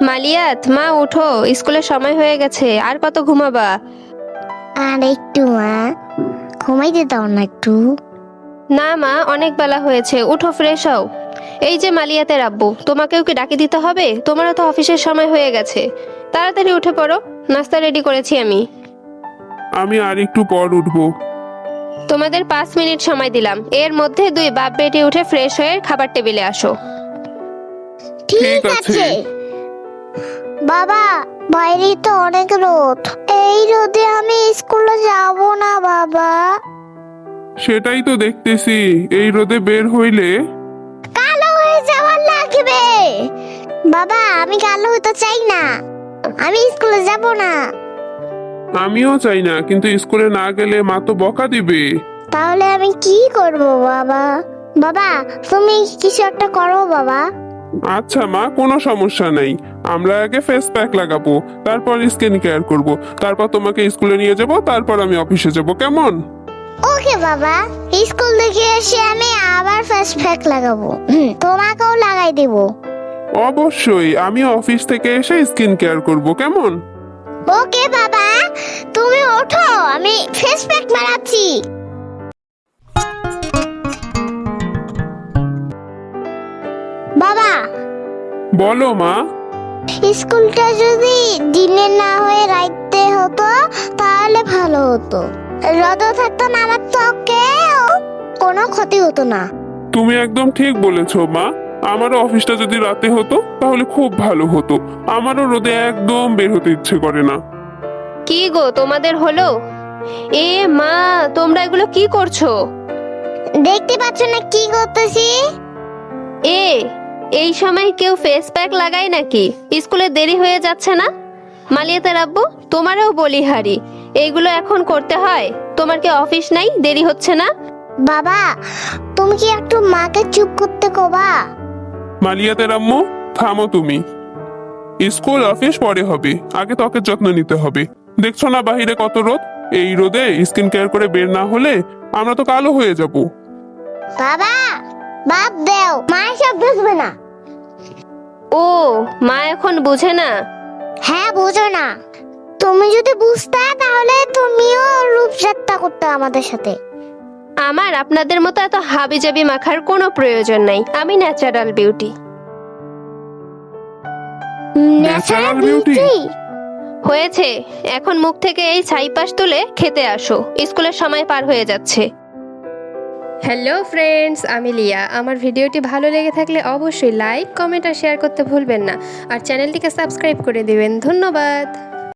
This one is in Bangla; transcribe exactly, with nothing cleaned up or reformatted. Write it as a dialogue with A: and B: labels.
A: মালিয়াত, মা উঠো, স্কুলের সময় হয়ে গেছে। আর কত ঘুমাবা?
B: আর একটু মা, ঘুমাইতে দাও না একটু।
A: না মা, অনেক বেলা হয়েছে, উঠো ফ্রেশ হও। এই যে মালিয়াতের আব্বু, তোমাকেও কি ডাকে দিতে হবে? তোমারও তো অফিসের সময় হয়ে গেছে। তাড়াতাড়ি উঠে পড়ো, নাস্তা রেডি করেছি আমি।
C: আমি আর একটু পর উঠবো।
A: তোমাদের পাঁচ মিনিট সময় দিলাম, এর মধ্যে দুই বাপ বেটি উঠে ফ্রেশ হয়ে খাবার টেবিলে আসো।
B: ঠিক
C: ঠিক আছে।
B: আছে বাবা, বাইরে তো অনেক রোদ, এই রোদে আমি স্কুলে যাব না বাবা।
C: সেটাই তো দেখতেছি, এই রোদে বের হইলে
B: কালো হয়ে যাওয়ার লাগবে। বাবা, আমি কালো হতে চাই না, আমি স্কুলে যাব না।
C: আমিও চাই না, কিন্তু স্কুলে না গেলে মা তো বকা দিবে।
B: তাহলে আমি কি করব বাবা? বাবা, তুমি কিছু একটা করো বাবা।
C: আচ্ছা মা, কোনো সমস্যা নাই। আমরা আগে ফেস প্যাক লাগাবো, তারপর স্কিন কেয়ার করব, তারপর তোমাকে স্কুলে নিয়ে যাব, তারপর আমি অফিসে যাব, কেমন?
B: ওকে বাবা, স্কুল থেকে এসে আমি আবার ফেস প্যাক লাগাবো, হুম, তোমাকেও লাগাই দেব।
C: অবশ্যই, আমি অফিস থেকে এসে স্কিন কেয়ার করব, কেমন?
B: ওকে বাবা, তুমি ওঠো, আমি ফেস প্যাক মারাচ্ছি। বাবা,
C: বলো মা।
B: স্কুলটা যদি দিনে না হয়ে রাইতে হতো তাহলে ভালো হতো। রোদ থাকতো না, আমার ত্বকেও কোনো ক্ষতি হতো না।
C: তুমি একদম ঠিক বলেছো মা। আমারও অফিসটা যদি রাতে হতো তাহলে খুব ভালো হতো। আমারও রোদে একদম বের হতে ইচ্ছে করে না।
A: কি গো, তোমাদের হলো? এ মা, তোমরা এগুলো কি করছো?
B: দেখতে পাচ্ছ না কি করতেছি?
A: এ এই সময় কেউ ফেস প্যাক লাগায় নাকি? স্কুলে দেরি হয়ে যাচ্ছে না? মালিয়াতের আব্বু, তোমারও বলি হারি, এইগুলো এখন করতে হয়? তোমার কি অফিস নাই, দেরি হচ্ছে না?
B: বাবা, তুমি কি একটু মাকে চুপ করতে কবা?
C: মালিয়াতের আম্মু, থামো তুমি। স্কুল অফিস পরে হবে, আগে ত্বকের যত্ন নিতে হবে। দেখছো না বাহিরে কত রোদ? এই রোদে স্কিন কেয়ার করে বের না হলে আমরা তো কালো হয়ে যাব।
B: বাবা, বাদ দেও, মা সব বুঝবে না।
A: ও, মা এখন বুঝে না?
B: হ্যাঁ, বুঝো না। তুমি যদি বুঝতে তাহলে তুমিও রূপযাত্রা করতে আমাদের সাথে।
A: আমার আপনাদের মতো এত হাবিজাবি মাখার কোনো প্রয়োজন নাই, আমি ন্যাচারাল বিউটি।
C: Natural beauty?
A: হয়েছে, এখন মুখ থেকে এই ছাইপাশ তুলে খেতে আসো, স্কুলের সময় পার হয়ে যাচ্ছে। হ্যালো ফ্রেন্ডস, আমি লিয়া। আমার ভিডিওটি ভালো লেগে থাকলে অবশ্যই লাইক, কমেন্ট আর শেয়ার করতে ভুলবেন না। আর চ্যানেলটিকে সাবস্ক্রাইব করে দিবেন। ধন্যবাদ।